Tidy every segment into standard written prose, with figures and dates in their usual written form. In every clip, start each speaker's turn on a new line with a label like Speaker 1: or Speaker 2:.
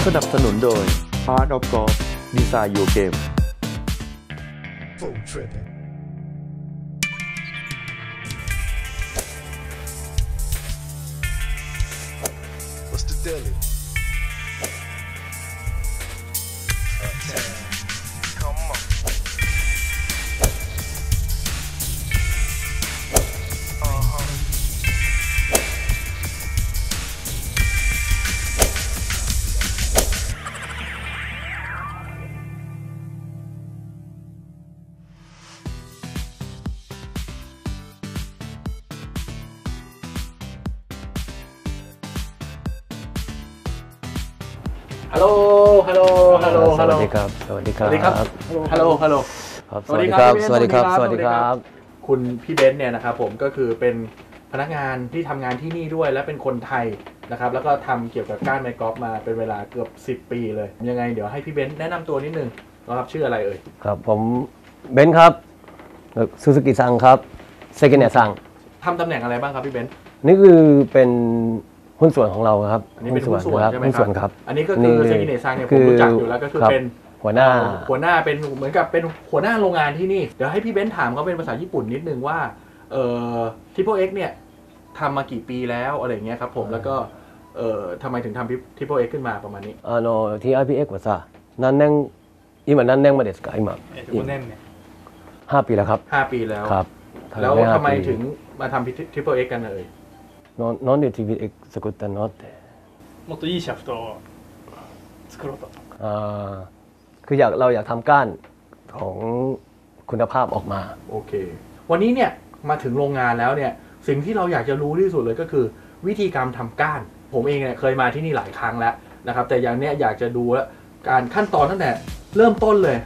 Speaker 1: นับสนุนโดย Art of Golf Design Your Game
Speaker 2: What's the deal? Come on.
Speaker 3: Hello
Speaker 4: สวัสดีครับสวัสดีครับ
Speaker 3: Hello
Speaker 4: ครับสวัสดีครับสวัสดีครับสวัสดีครับ
Speaker 3: คุณพี่เบนซ์เนี่ยนะครับผมก็คือเป็นพนักงานที่ทำงานที่นี่ด้วยและเป็นคนไทยนะครับแล้วก็ทำเกี่ยวกับก้านไม้กอล์ฟมาเป็นเวลาเกือบ10 ปีเลยยังไงเดี๋ยวให้พี่เบนซ์แนะนำตัวนิดนึงนะครับชื่ออะไรเอ่ย
Speaker 4: ครับผมเบนซ์ครับซูซูกิซังครับเซกิเนะซัง
Speaker 3: ทำตำแหน่งอะไรบ้างครับพี่เบนซ์
Speaker 4: นี่คือเป็นหุ้นส่วนของเราครับ
Speaker 3: อันนี้เป็นหุ้นส่วนใช่ไหมครับอันนี้ก็คือเซกิเนะซังเนี่ยผมรู้จักอยู่แล้วก็คือเป็น
Speaker 4: หัวหน้า
Speaker 3: เป็นเหมือนกับเป็นหัวหน้าโรงงานที่นี่เดี๋ยวให้พี่เบนซ์ถามเขาเป็นภาษาญี่ปุ่นนิดนึงว่าTriple X เนี่ยทำมากี่ปีแล้วอะไรเงี้ยครับผมแล้วก็ทำไมถึงทำ Triple X ขึ้นมาประมาณนี้
Speaker 4: TRPX はさ何年今何年目ですか今
Speaker 5: 5年目
Speaker 4: 5 ปีแล้วครับ
Speaker 3: 5 ปีแล้ว
Speaker 4: ครับ
Speaker 3: แล้วทำไมถึงมาทำ Triple X กันเลย
Speaker 4: なんで TPX 作ったのって
Speaker 5: もっといいシャフトを作ろうと
Speaker 4: คือเราอยากทำก้านของคุณภาพออกมา
Speaker 3: โอเควันนี้เนี่ยมาถึงโรงงานแล้วเนี่ยสิ่งที่เราอยากจะรู้ที่สุดเลยก็คือวิธีการทำก้านผมเองเนี่ยเคยมาที่นี่หลายครั้งแล้วนะครับแต่อย่างเนี้ยอยากจะดูแล้วการขั้นตอนตั้งแต่เริ่มต้นเลย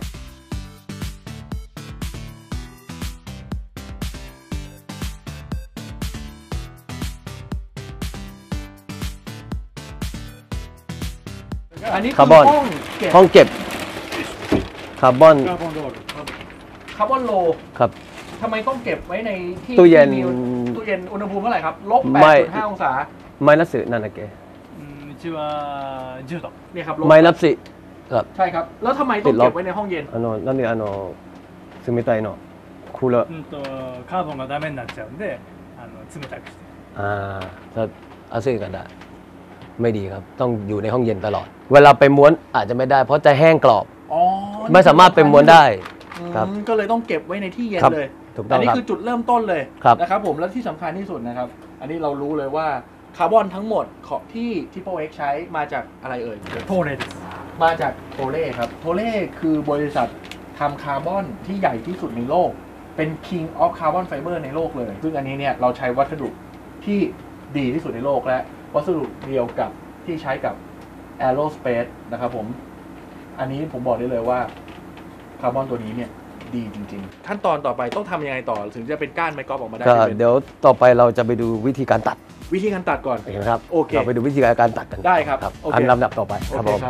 Speaker 3: อันนี้คือ
Speaker 4: ห้องเก็บคาร์บอน
Speaker 3: โล
Speaker 4: ครับ
Speaker 3: ทำไมต้องเก็บไว้ในที่
Speaker 4: ตู้เย็น
Speaker 3: อุณหภูมิเท่าไหร่ครับ-8.5 องศา
Speaker 4: マイナスなんだっけ
Speaker 5: うちは10度
Speaker 3: เนี่ยครับ
Speaker 4: マイナスครับ
Speaker 3: ใช่ครับแล้วทำไมต้องเก็บไว้ในห้องเย็น
Speaker 4: なんで冷たいのクーラー
Speaker 5: カーボンがダメになっちゃうんで冷たくして
Speaker 4: ถ้า暑いกันได้ไม่ดีครับต้องอยู่ในห้องเย็นตลอดเวลาไปม้วนอาจจะไม่ได้เพราะจะแห้งกรอบไม่สามารถไปม้วนได้ครับ
Speaker 3: ก็เลยต้องเก็บไว้ในที่เย็นเลย
Speaker 4: อัน
Speaker 3: นี้คือจุดเริ่มต้นเลยนะครับผมแล้วที่สำคัญที่สุดนะครับอันนี้เรารู้เลยว่าคาร์บอนทั้งหมดของที่ Triple X ใช้มาจากอะไรเอ่ย
Speaker 5: โทเล่
Speaker 3: มาจากโทเล่ครับโทเล่คือบริษัททำคาร์บอนที่ใหญ่ที่สุดในโลกเป็น King of Carbon Fiber ในโลกเลยซึ่งอันนี้เนี่ยเราใช้วัสดุที่ดีที่สุดในโลกและวัสดุเดียวกับที่ใช้กับ Aerospace นะครับผมอันนี้ผมบอกได้เลยว่าคาร์บอนตัวนี้เนี่ยดีจริงๆขั้นตอนต่อไปต้องทำยังไงต่อถึงจะเป็นก้านไม้กอล์ฟออกมาได้
Speaker 4: เดี๋ยวต่อไปเราจะไปดูวิธีการตัด
Speaker 3: ก่อน
Speaker 4: ครับ
Speaker 3: โอเค
Speaker 4: เราไปดูวิธีการตัดกัน
Speaker 3: ได้ครับ
Speaker 4: อันลำดับต่อไปครับผม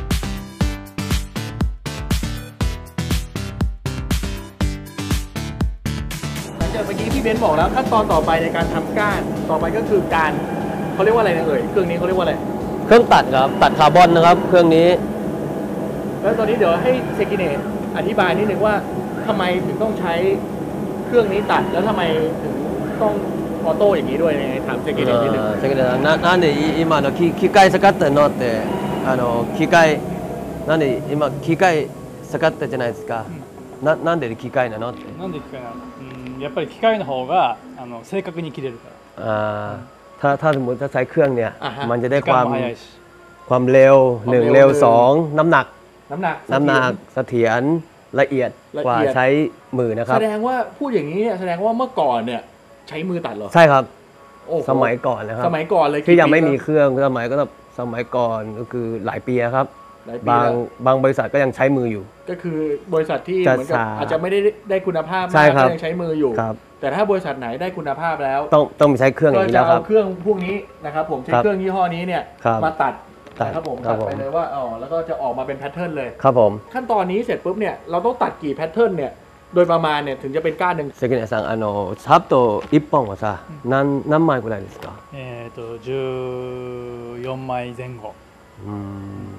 Speaker 3: หลังจากเมื่อกี้พี่เบนซ์บอกแล้วขั้นตอนต่อไปในการทำก้านต่อไปก็คือการเขาเรียกว่าอะไรนะเอ่ยเครื่องนี้เขาเรียกว่าอะไร
Speaker 4: เครื่องตัดครับตัดคาร์บอนนะครับเครื่องนี้
Speaker 3: แล้วตอนนี้เดี๋ยวให้เซกิเนะอธิบายนิดนึงว่าทำไมถึงต้องใช้เครื่องนี้ตัดแล้วทำไมถึงต้องออโต้อย่างนี้ด้วยถามเซกิเนะนิดนึง
Speaker 4: เซกิเนะなんで今の機械使ってるのって機械なんで今機械使ったじゃないですかなんで機械なのって
Speaker 5: なんで機械なのやっぱり機械の方が正確に切れるから
Speaker 4: ถ้าสมมติถ้าใช้เครื่องเนี่ยมันจะได้ความเร็ว1เร็ว2น้ำหนักเสถียรละเอียดกว่าใช้มือนะครับ
Speaker 3: แสดงว่าพูดอย่างนี้เนี่ยแสดงว่าเมื่อก่อนเนี่ยใช้มือตัดเหรอ
Speaker 4: ใช่ครับสมัยก่อนนะครับ
Speaker 3: สมัยก่อนเลย
Speaker 4: ที่ยังไม่มีเครื่องสมัยก่อนก็คือหลายปีครับบางบริษัทก็ยังใช้มืออยู่
Speaker 3: ก็คือบริษัทที่เหมือนกับอาจจะไม่ได้คุณภาพมากก็ยังใช้มืออยู่แต่ถ้าบริษัทไหนได้คุณภาพแล้ว
Speaker 4: ต้องใช้เครื่องอย่างนี้แล้วครับ
Speaker 3: เครื่องพวกนี้นะครับผมใช้เครื่องยี่ห้อนี้เนี่ยมาตัดครับผมตัดไปเลยว่าแล้วก็จะออกมาเป็นแพทเทิร์นเลย
Speaker 4: ครับผม
Speaker 3: ขั้นตอนนี้เสร็จปุ๊บเนี่ยเราต้องตัดกี่แพทเทิร์นเนี่ยโดยประมาณเนี่ยถึงจะเป็นก้านหนึ่ง
Speaker 4: เซกิเนะซังシャフト1本はさ何枚ぐらいですか
Speaker 5: 14枚前後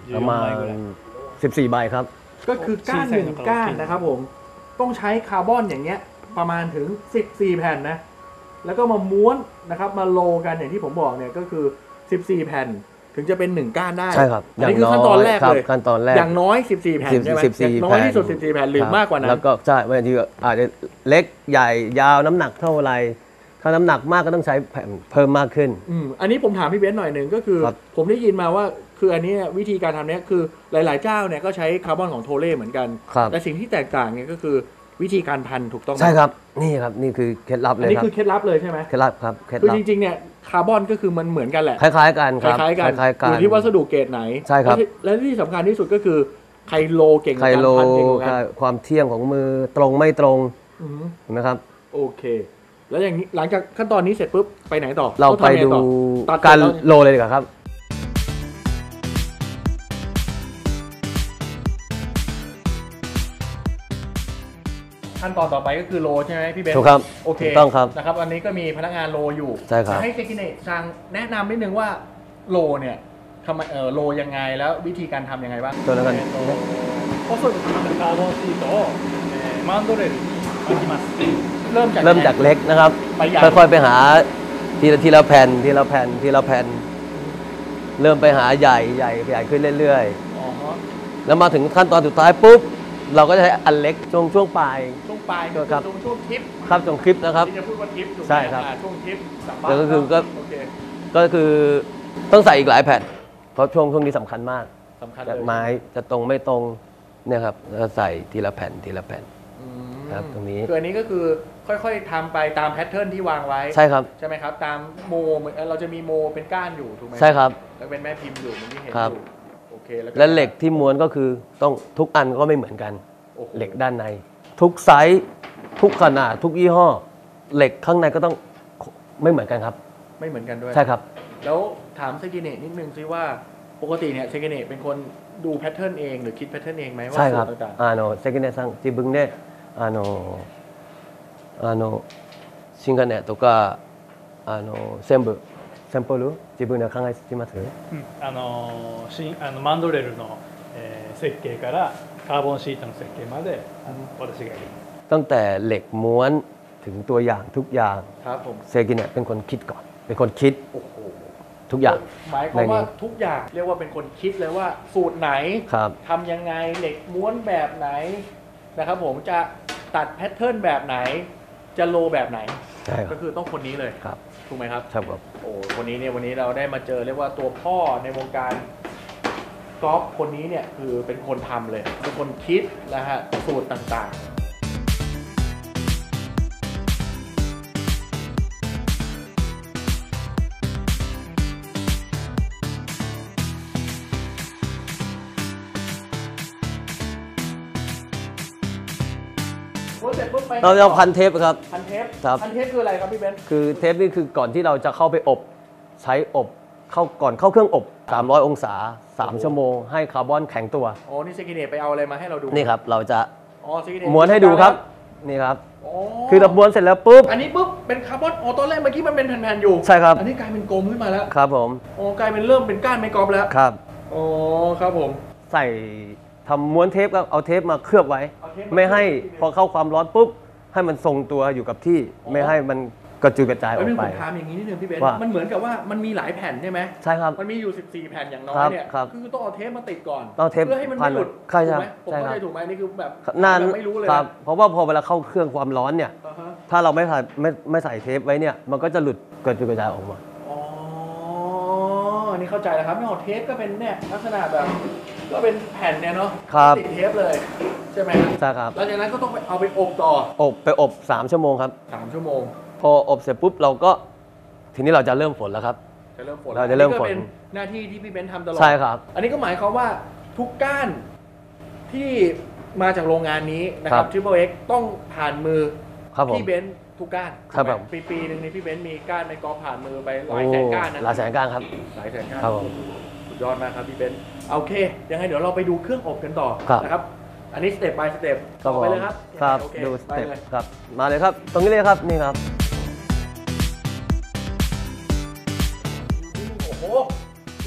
Speaker 4: ประมาณ14 ใบครับ
Speaker 3: ก็คือก้านหนึ่งก้านนะครับผมต้องใช้คาร์บอนอย่างเงี้ยประมาณถึง14 แผ่นนะแล้วก็มาม้วนนะครับมาโลกันอย่างที่ผมบอกเนี่ยก็คือ14 แผ่นถึงจะเป็น1ก้านได้
Speaker 4: ใช่ครับ
Speaker 3: อันนี้คือขั้นตอนแรกเลย
Speaker 4: ขั้นตอนแรก
Speaker 3: อย่างน้อย14 แผ่นใช่ไหมอย่างน้อยที่สุด14 แผ่นหรือมากกว่านั้น
Speaker 4: แล้วก็ใช่บางทีอาจจะเล็กใหญ่ยาวน้ำหนักเท่าไรถ้าน้ำหนักมากก็ต้องใช้แผ่นเพิ่มมากขึ้น
Speaker 3: อันนี้ผมถามพี่เบนซ์หน่อยหนึ่งก็คือผมได้ยินมาว่าคืออันนี้วิธีการทำเนี้ยคือหลายๆเจ้าเนี่ยก็ใช้คาร์บอนของโทเล่เหมือนกันแต่สิ่งที่แตกต่างเนี่ยก็คือวิธีการพันถูกต้องไหม
Speaker 4: ใช่ครับนี่ครับนี่คือเคล็ดลับเลยครับ
Speaker 3: อันนี้คือเคล็ดลับเลยใช่ไหม
Speaker 4: เคล็ดลับครับเคล็ดลับ
Speaker 3: คือจริงๆเนี่ยคาร์บอนก็คือมันเหมือนกันแหละ
Speaker 4: คล้ายๆกันครับ
Speaker 3: คล้ายๆกันอยู่ที่วัสดุเกรดไหน
Speaker 4: ใช่ครับ
Speaker 3: และที่สำคัญที่สุดก็คือใครโลเก่ง
Speaker 4: ใครโลความเที่ยงของมือตรงไม่ตรงนะครับ
Speaker 3: โอเคแล้วอย่างนี้หลังจากขั้นตอนนี้เสร็จปุ๊บไปไหนต่อ
Speaker 4: เราไปดูการโลเลยดีกว่าครับ
Speaker 3: ขั้นตอนต่อไปก็คือโลใช่ไหมพี่เบนซ์
Speaker 4: ถูกครับ
Speaker 3: โอเค
Speaker 4: ต้องครับ
Speaker 3: นะครับอันนี้ก็มีพนักงานโลอยู่
Speaker 4: ใช่ครับ
Speaker 3: ให้เซกิเนะซังแนะนำนิดนึงว่าโลเนี่ยทำไมโลยังไงแล้ววิธีการทำยังไงบ้าง
Speaker 4: ตัวแล้วกัน
Speaker 5: 細く切ったカーボンシートをマンドレルに巻きます
Speaker 4: เริ่มจากเล็กนะครับค่อยๆไปหาทีละแผ่นทีละแผ่นทีละแผ่นเริ่มไปหาใหญ่ขึ้นเรื่อยๆแล้วมาถึงขั้นตอนสุดท้ายปุ๊บเราก็จะใช้อันเล็กช่วงปลาย
Speaker 3: ช่วงคลิป
Speaker 4: ครับช่วงคลิปนะครับ
Speaker 3: ที่จะพูดว่าคลิป
Speaker 4: ใช่ครับ
Speaker 3: ช่วงคลิป
Speaker 4: ก็คือต้องใส่อีกหลายแผ่นเพราะช่วงนี้สำคัญมากจากไม้จะตรงไม่ตรงเนี่ยครับแล้วใส่ทีละแผ่นครับตรงนี้
Speaker 3: คืออันนี้ก็คือค่อยๆทำไปตามแพทเทิร์นที่วางไว้
Speaker 4: ใช่ครับ
Speaker 3: ใช่ไหมครับตามโมเราจะมีโมเป็นก้านอยู่ถูกไหม
Speaker 4: ใช่ครับ
Speaker 3: แล้วเป็นแม่พิมพ์อยู่เหมือนที่เห็นอยู่โอเค
Speaker 4: แล้วเหล็กที่ม้วนก็คือต้องทุกอันก็ไม่เหมือนกันเหล็กด้านในทุกไซส์ทุกขนาดทุกยี่ห้อเหล็กข้างในก็ต้องไม่เหมือนกันครับ
Speaker 3: ไม่เหมือนกันด้วย
Speaker 4: ใช่ครับ
Speaker 3: แล้วถามเซกิเนะนิดนึงซิว่าปกติเนี่ยเซกิเนะเป็นคนดูแพทเทิร์นเองหรือคิดแพทเทิร์นเองไหมว่า
Speaker 4: สูตรต่างๆเซกิเนะซัง自分で新幹線とか全部サンプル自分で考えてます？
Speaker 5: マンドレルの設計からカーボンシートの設計まで私がやります
Speaker 4: ตั้งแต่เหล็กม้วนถึงตัวอย่างทุกอย่าง
Speaker 3: ครับผม
Speaker 4: เซกิเนะเป็นคนคิดก่อนเป็นคนคิดทุกอย่าง
Speaker 3: หมายความว่าทุกอย่างเรียกว่าเป็นคนคิดเลยว่าสูตรไหนทำยังไงเหล็กม้วนแบบไหนนะครับผมจะตัดแพทเทิร์นแบบไหนจะโลแบบไหนก็คือต้องคนนี้เลย
Speaker 4: ครับ
Speaker 3: ถูกไหมครับ
Speaker 4: ใช่ครับ
Speaker 3: โอ้คนนี้เนี่ยวันนี้เราได้มาเจอเรียกว่าตัวพ่อในวงการกอล์ฟคนนี้เนี่ยคือเป็นคนทำเลยเป็นคนคิดนะฮะสูตรต่างๆ
Speaker 4: เราพันเทปครับ
Speaker 3: พันเทปคืออะไรครับพี่เบนซ์
Speaker 4: คือเทปนี่คือก่อนที่เราจะเข้าไปอบใช้อบก่อนเข้าเครื่องอบ300 องศา3 ชั่วโมงให้คาร์บอนแข็งตัว
Speaker 3: โอ้นี่เซกิเนะไปเอาอะไรมาให้เราดู
Speaker 4: นี่ครับเราจะม้วนให้ดูครับนี่ครับคือเราม้วนเสร็จแล้วปุ๊บ
Speaker 3: อันนี้ปุ๊บเป็นคาร์บอนตอนแรกเมื่อกี้มันเป็นแผ่นๆอยู่
Speaker 4: ใช่ครับ
Speaker 3: อันนี้กลายเป็นกลมขึ้นมาแล้ว
Speaker 4: ครับผม
Speaker 3: กลายเป็นเริ่มเป็นก้านไม้กอล์ฟแล้ว
Speaker 4: ครับ
Speaker 3: ครับผม
Speaker 4: ใส่ทำม้วนเทปก็เอาเทปมาเคลือบไว้ไม่ให้พอเข้าความร้อนปุ๊บให้มันทรงตัวอยู่กับที่ไม่ให้มันกระจุยกระจายออกไป
Speaker 3: ผมถามอย่างนี้นิดนึงพี่เบนซ์มันเหมือนกับว่ามันมีหลายแผ่นใช่ไหม
Speaker 4: ใช่ครับ
Speaker 3: มันมีอยู่14แผ่นอย่างน้อยเนี่ยคือต้องเอาเทปมาติดก่อนเพื่อให้มันไม่หลุด
Speaker 4: ใช่ไหม
Speaker 3: ผมเข้าใจถูกไหมนี่คือแบบ
Speaker 4: ไม่รู้เลยครับเพราะว่าพอเวลาเข้าเครื่องความร้อนเนี่ยถ้าเราไม่ใส่เทปไว้เนี่ยมันก็จะหลุดกระจุยกระจายออกมา
Speaker 3: อันนี้เข้าใจแล้วครับไม่เอาเทปก็เป็นเนี่ยลักษณะแบบก็เป็นแผ่นเนี่ยเนาะติดเทปเลยใช่ไหม
Speaker 4: ใช่ครับ
Speaker 3: หลังจากนั้นก็ต้องเอาไปอบต่อ
Speaker 4: อบ3 ชั่วโมงครับ
Speaker 3: 3 ชั่วโมง
Speaker 4: พออบเสร็จปุ๊บเราก็ทีนี้เราจะเริ่มฝนแล้วครับเราจะเริ่มฝน
Speaker 3: เป็นหน้าที่ที่พี่เบนซ์ทำตลอด
Speaker 4: ใช่ครับ
Speaker 3: อันนี้ก็หมายความว่าทุกก้านที่มาจากโรงงานนี้นะครับ Triple X ต้องผ่านมือพี่เบนซ์ทุกก้านปีนึงนี้พี่เบนซ์มีก้านไม้กอล์ฟผ่านมือไปหลายแสนก้านนะ
Speaker 4: หลายแสนก้านครับ
Speaker 3: หลายแสนก้านสุดยอดมากครับพี่เบนซ์โอเคยังไงเดี๋ยวเราไปดูเครื่องอบกันต่อนะครับอันนี้สเต็ป by สเต็ปต่อไปเลยครับ
Speaker 4: ครับดูสเต็ปครับมาเลยครับตรงนี้เลยครับนี่ครับ
Speaker 3: โอ้โหนี่คือเครื่อง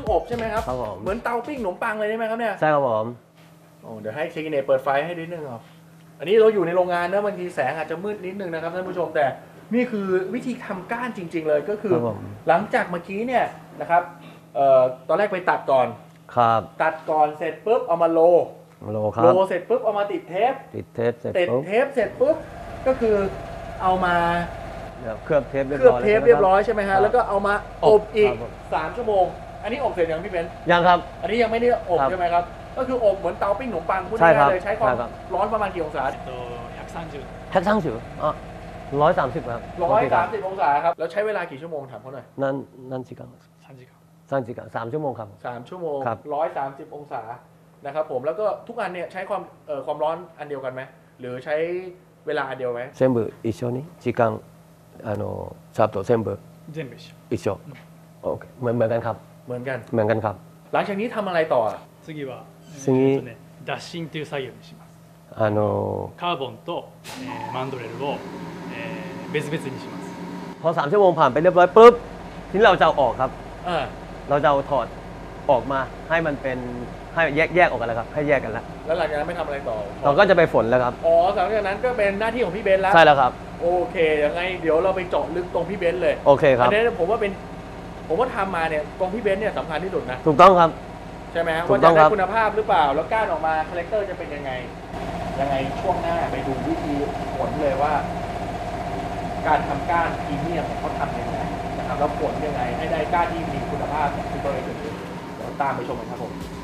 Speaker 3: อบใช่ไหมครับ
Speaker 4: ครับผม
Speaker 3: เหมือนเตาปิ้งขนมปังเลยใช่ไหมครับเนี่ย
Speaker 4: ใช่ครับผม
Speaker 3: โอ้เดี๋ยวให้เชคิเนเปิดไฟให้นิดนึงครับอันนี้เราอยู่ในโรงงานนะบางทีแสงอาจจะมืดนิดนึงนะครับท่านผู้ชมแต่นี่คือวิธีทำก้านจริง ๆ เลยก็คือ
Speaker 4: ครับผม
Speaker 3: หลังจากเมื่อกี้เนี่ยนะครับตอนแรกไปตัดก่อน
Speaker 4: ครับ
Speaker 3: ตัดก่อนเสร็จปุ๊บเอามาโล
Speaker 4: โลครับ
Speaker 3: โลเสร็จปุ๊บเอามาติดเทป
Speaker 4: ติดเทปเสร็จ
Speaker 3: ติด
Speaker 4: ปุ๊บ
Speaker 3: เทปเสร็จปุ๊บก็คือเอามา
Speaker 4: เดี๋ยวเคลือบเทปเรียบ
Speaker 3: เคลือบ
Speaker 4: ร้อย
Speaker 3: เทปเรียบร้อยใช่ไหม
Speaker 4: ครั
Speaker 3: ฮะ
Speaker 4: บ
Speaker 3: แล้วก็เอามาอบอีก
Speaker 4: ครับผม
Speaker 3: 3 ชั่วโมง อันนี้อบเสร็จยังพี่เบนซ์
Speaker 4: ยังครับ
Speaker 3: อันนี้ยังไม่ได้อบ
Speaker 4: ครับ
Speaker 3: ใช่ไหมครับก็คืออบเหมือนเตาปิ้งขนมปังพูด
Speaker 4: ใช่ครั
Speaker 3: ง่า
Speaker 4: บ
Speaker 3: ยๆเลยใช้ความ
Speaker 4: ใช่ครับ
Speaker 3: ร้อนประมาณกี่องศา
Speaker 5: 130
Speaker 4: แพ็คช่างฉิวอ๋อ130ครับ
Speaker 3: 130 องศาครับแล้วใช้เวลากี่ชั่วโมงถามเขาหน่อย
Speaker 4: นั่นสิครับ
Speaker 5: 3時間
Speaker 4: 3 ชั่วโมงครับ
Speaker 3: 3 ชั่วโมง
Speaker 4: ครับ
Speaker 3: 130 องศานะครับผมแล้วก็ทุกอันเนี่ยใช้ความร้อนอันเดียวกันไหมหรือใช้เวลาอันเดียวไหม
Speaker 4: 全部一緒に時間チャート全部
Speaker 5: 全部一緒
Speaker 4: 一緒โอเคเหมือนกันครับ
Speaker 3: เหมือนกัน
Speaker 4: เหมือนกันครับ
Speaker 3: หลังจากนี้ทำอะไรต่ออ่ะ
Speaker 5: 次は、
Speaker 4: 次
Speaker 5: 脱芯という作業にしますカーボンと、マンドレルを、別々にします
Speaker 4: พอ3 ชั่วโมงผ่านไปเรียบร้อยปุ๊บทีนี้เราจะเอาออกครับ
Speaker 3: อ่า
Speaker 4: เราจะเอาถอดออกมาให้มันเป็นให้แยกออกกันแล้วครับให้แยกกันแล้ว
Speaker 3: แล้วหลังจากนั้นไม่ทำอะไรต่อ
Speaker 4: เราก็จะไปฝนแล้วครับ
Speaker 3: อ๋อหลังจากนั้นก็เป็นหน้าที่ของพี่เบนซ์แล้ว
Speaker 4: ใช่แล้วครับ
Speaker 3: โอเคยังไงเดี๋ยวเราไปเจาะลึกตรงพี่เบนซ์เลย
Speaker 4: โอเคครับ
Speaker 3: อันนี้ผมว่าทำมาเนี่ยตรงพี่เบนซ์เนี่ยสำคัญที่สุดนะ
Speaker 4: ถูกต้องครับ
Speaker 3: ใช่ไหมฮะ
Speaker 4: ถู
Speaker 3: ว่าก
Speaker 4: ต้
Speaker 3: จะ
Speaker 4: อง
Speaker 3: ได้
Speaker 4: ครับ
Speaker 3: คุณภาพหรือเปล่า แล้วก้านออกมาคาแรคเตอร์จะเป็นยังไงช่วงหน้าไปดูวิธีผลเลยว่า การทำก้านพรีเมียมเนี่ยเขาทำยังไงนะครับแล้วผลยังไงให้ได้ก้านที่มีคุณภาพของซูเปอร์เอ็กซ์เดี๋ยวตามไปชมกันครับผม